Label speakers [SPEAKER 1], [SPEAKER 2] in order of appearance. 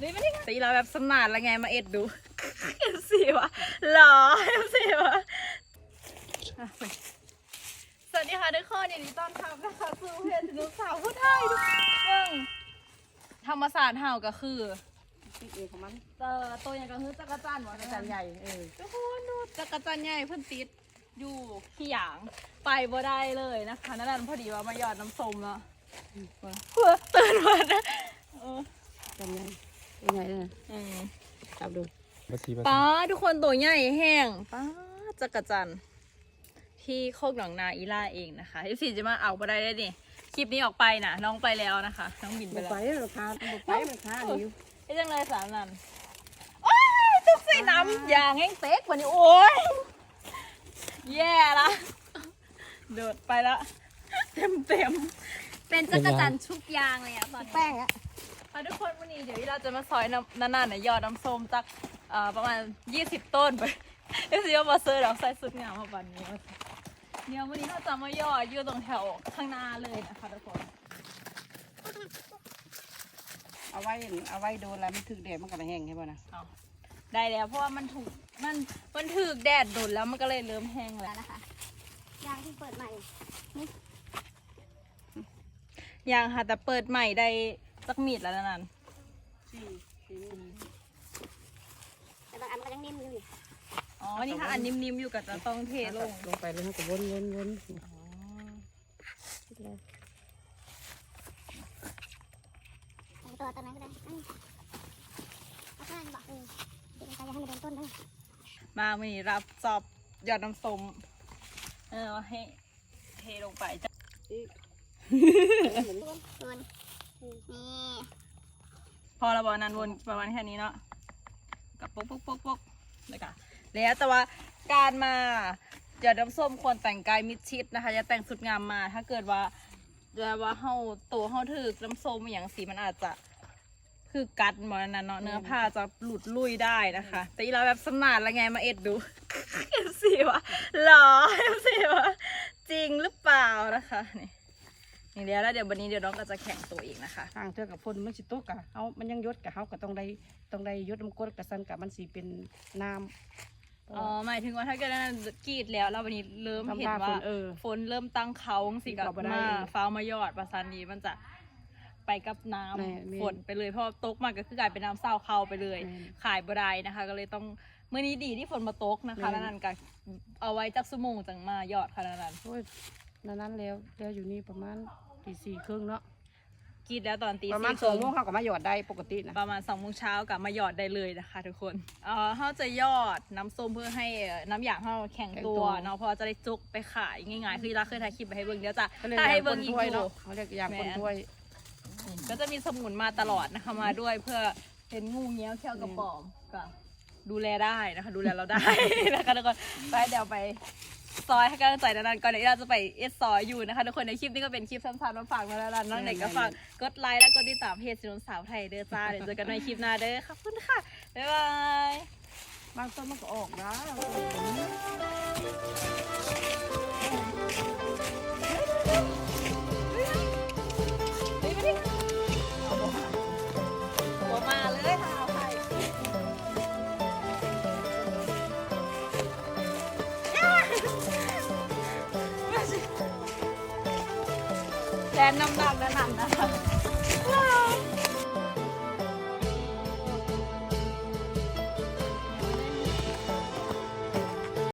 [SPEAKER 1] นี่ไม่ได้ตีเราแบบสนานละไงมาเอ็ดดูเอ็มซีวะหรอเอ็มซีวะสวัสดีค่ะทุกคนยินดีต้อนรับนะคะสู่เพจลูกสาวผู้ไทยทุกคนธรรมศาสตร์เห่าก็คือ
[SPEAKER 2] ติดเองของมัน
[SPEAKER 1] ตัวอย่างก็คือจักรจันทร์วะจักรจันทร์ใหญ่ทุกคนดูจักรจันทร์ใหญ่เพิ่นติดอยู่ขี้หยางไปบ่ได้เลยนะคะนั่นพอดีว่ามาหยอดน้ำส้มแล้วเพื่อตื่นมานะ
[SPEAKER 2] จันใหญ่ใหญ่เลยจับดู
[SPEAKER 1] ป้าทุกคนตัวใหญ่แห้งป้าจักรจันทร์ที่โคกหนองนาอีล่าเองนะคะที่สี่จะมาเอาบ่ได้ได้ดิคลิปนี้ออกไปนะน้องไปแล้วนะคะน้องบินไปแล้ว
[SPEAKER 2] ไปราคาราคาดิว
[SPEAKER 1] ไอ้จังเลยสามนันโอ้ยตุ๊กใส่น้ำยางแห้งเต๊กกว่านี้โอ้ยแย่ละเดินไปละเต็ม
[SPEAKER 3] เป็นจักรจันทร์ชุบยางเลยอ่ะตอน
[SPEAKER 2] แป้งอ่ะ
[SPEAKER 1] ทุกคนวันนี้เดี๋ยวเราจะมาซอยนานๆยอดน้ำส้มจากประมาณ20 ต้นไปเดี๋ยวสิว่ามาเซอร์เราใส่สุดงามมาวันนี้เนี่ยวันนี้เราจะมายอดอยู่ตรงแถวข้างหน้าเลยนะคะทุกคน
[SPEAKER 2] เอาไว้โดนแล้วมันถึกแดดมันก็แห้งใช่ป่ะนะ
[SPEAKER 1] ได้แล้วเพราะว่ามันถูกแดดโดนแล้วมันก็เลยเริ่มแห้งแล้ว
[SPEAKER 3] นะคะยางที่เปิดใหม่
[SPEAKER 1] ยางค่ะแต่เปิดใหม่ได้สักมีดแล้วนั่น
[SPEAKER 3] แต่บางอันก็ยังนิ่มอยู่
[SPEAKER 1] อ๋อนี่ค่ะอันนิ่มๆอยู่กับจะต้องเทล
[SPEAKER 2] งไปแล้วมันก็วน
[SPEAKER 3] ตัวนั้นก็ได้เอาข้างบอกเดี๋ยวจะให้มันโดนต้นด้วย
[SPEAKER 1] มาวันนี้รับจอบหยอดน้ำส้มให้เทลงไปจ้ะพอเราบอกนั้นวนประมาณแค่นี้เนาะกับปุ๊กเลยค่ะแล้วแต่ว่าการมาหยอดน้ำส้มควรแต่งกายมิดชิดนะคะจะแต่งสุดงามมาถ้าเกิดว่าเฮาตัวเฮาถือน้ำส้มอย่างสีมันอาจจะคือกัดหมดนั้นเนาะเนื้อผ้าจะหลุดลุ่ยได้นะคะแต่อีเราแบบสนานละไงมาเอ็ดดูเอ็มซีวะหรอเอ็มซีวะจริงหรือเปล่านะคะนี่เดี๋ยวแล้วเดี๋ยววันนี้เดี๋ยวน้องก็จะแข่งตัวอีกนะคะ
[SPEAKER 2] ทางเธอกับพลมันสิโตกะเอามันยังยศกับเขาก็ต้องได้ยศน้ำก้นกับสันกับมันสีเป็นน้ำ
[SPEAKER 1] อ๋อหมายถึงว่าถ้าเกิดนั้นกรีดแล้ววันนี้เริ่มเห็นว่าฝนเริ่มตั้งเขาสิกับมาฟ้ามายอดประสานนี้มันจะไปกับน้ำฝนไปเลยเพราะตกมาก็คือกลายเป็นน้ำเศร้าเข้าไปเลยขายบ่ได้นะคะก็เลยต้องเมื่อนี้ดีที่ฝนมาตกนะคะแล้วนั่นก็เอาไว้จักสมงจังมายอดขนาดนั้น
[SPEAKER 2] นั้นแล้วอยู่นี่ประมาณ4:30เนาะ
[SPEAKER 1] กรีดแล้วตอน
[SPEAKER 2] ประมาณ2 โมงเขาก็มาหยอดได้ปกตินะ
[SPEAKER 1] ประมาณ2 โมงเช้ากับมาหยอดได้เลยนะคะทุกคนเขาจะยอดน้ำส้มเพื่อให้น้ำยางเขาแข็งตัวเนาะเพราะจะได้จุกไปขายง่ายๆคือเราเคยถ่ายคลิปไปให้เบิ้งเดี๋ยวจะถ่ายให้เบิ้งอีก
[SPEAKER 2] เนาะเขาเรียกยางคนถ้วย
[SPEAKER 1] ก็จะมีสมุนมาตลอดนะคะมาด้วยเพื่อเป็นงูเงี้ยวเขี้ยวกระป๋อมก็ดูแลได้นะคะดูแลเราได้นะคะทุกคนไปเดี๋ยวไปซอยให้กำลังใจนานๆก่อนเดี๋ยวเราจะไปเอสซอยอยู่นะคะทุกคนในคลิปนี้ก็เป็นคลิปสั้นๆมาฝากมาแล้วนะน้องเด็กก็ฝากกดไลค์และกดติดตามเพจสินสาวไทยเด้อจ้าเดี๋ยวเจอกันในคลิปหน้าเด้อขอบคุณค่ะบ๊ายบาย
[SPEAKER 2] บางต้นมันก็ออกนะ
[SPEAKER 1] แทนน้ำหนักนะคะ